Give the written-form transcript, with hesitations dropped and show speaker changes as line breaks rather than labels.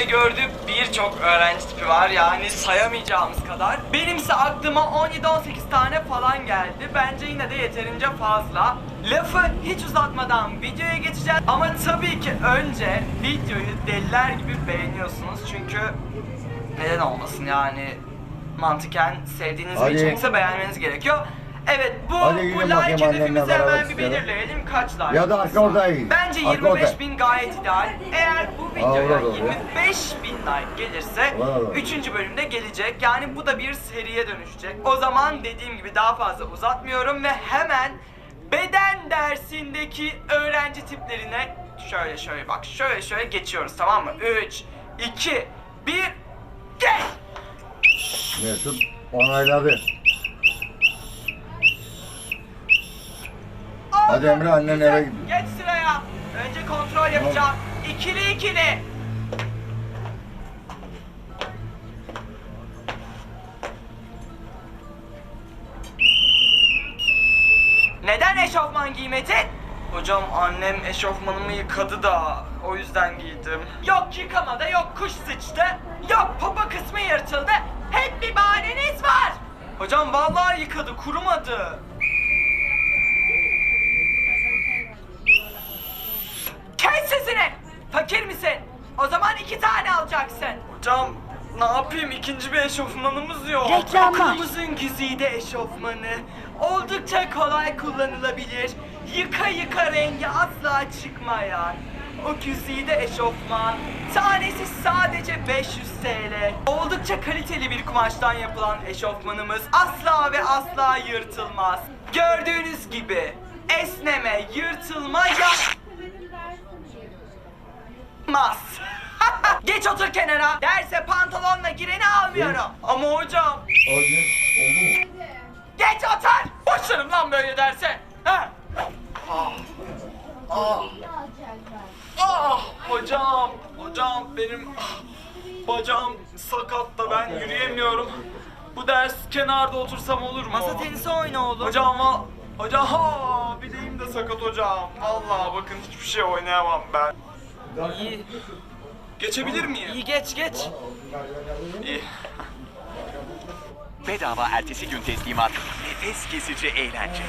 gördüğüm birçok öğrenci tipi var, yani sayamayacağımız kadar. Benimse aklıma 17-18 tane falan geldi. Bence yine de yeterince fazla. Lafı hiç uzatmadan videoya geçeceğiz. Ama tabii ki önce videoyu deliler gibi beğeniyorsunuz. Çünkü neden olmasın yani, mantıken sevdiğiniz bir içerikse beğenmeniz gerekiyor. Evet, bu like hedefimizi hemen bir belirleyelim. Kaç like?
Ya da arka orada iyi.
Bence 25.000 gayet ideal. Eğer bu videoya 25.000 like gelirse 3. bölümde gelecek. Yani bu da bir seriye dönüşecek. O zaman dediğim gibi daha fazla uzatmıyorum ve hemen beden dersindeki öğrenci tiplerine şöyle bak şöyle geçiyoruz, tamam mı? 3, 2, 1, geç!
Mesut onayladı. Hadi Emre, annen eve gidiyor.
Geç sıraya. Önce kontrol yapacağım. İkili. Neden eşofman giymedin? Hocam annem eşofmanımı yıkadı da o yüzden giydim. Yok yıkamada, yok kuş sıçtı, yok popo kısmı yırtıldı. Hep bir bahaneniz var. Hocam vallahi yıkadı, kurumadı. Kes sesini! Fakir misin? O zaman 2 tane alacaksın. Hocam ne yapayım, ikinci bir eşofmanımız yok.
Reklamlar.
Okulumuzun güzide eşofmanı. Oldukça kolay kullanılabilir. Yıka rengi asla çıkmayan o güzide eşofman. Tanesi sadece 500 TL. Oldukça kaliteli bir kumaştan yapılan eşofmanımız asla ve asla yırtılmaz. Gördüğünüz gibi esneme, yırtılma yapmaz. Geç otur kenara. Derse pantolonla gireni almıyorum. Ama hocam.
Oldu mu?
Geç otur. Başlarım lan böyle derse. Ha? Hocam benim bacağım sakat da ben yürüyemiyorum. Bu ders kenarda otursam olur mu? Masa tenisi oyna oğlum. Hocam bileğim de sakat hocam. Vallahi bakın hiçbir şey oynayamam ben. İyi. Geçebilir miyim? İyi geç. İyi.
Bedava ertesi gün teslimat, nefes kesici eğlence.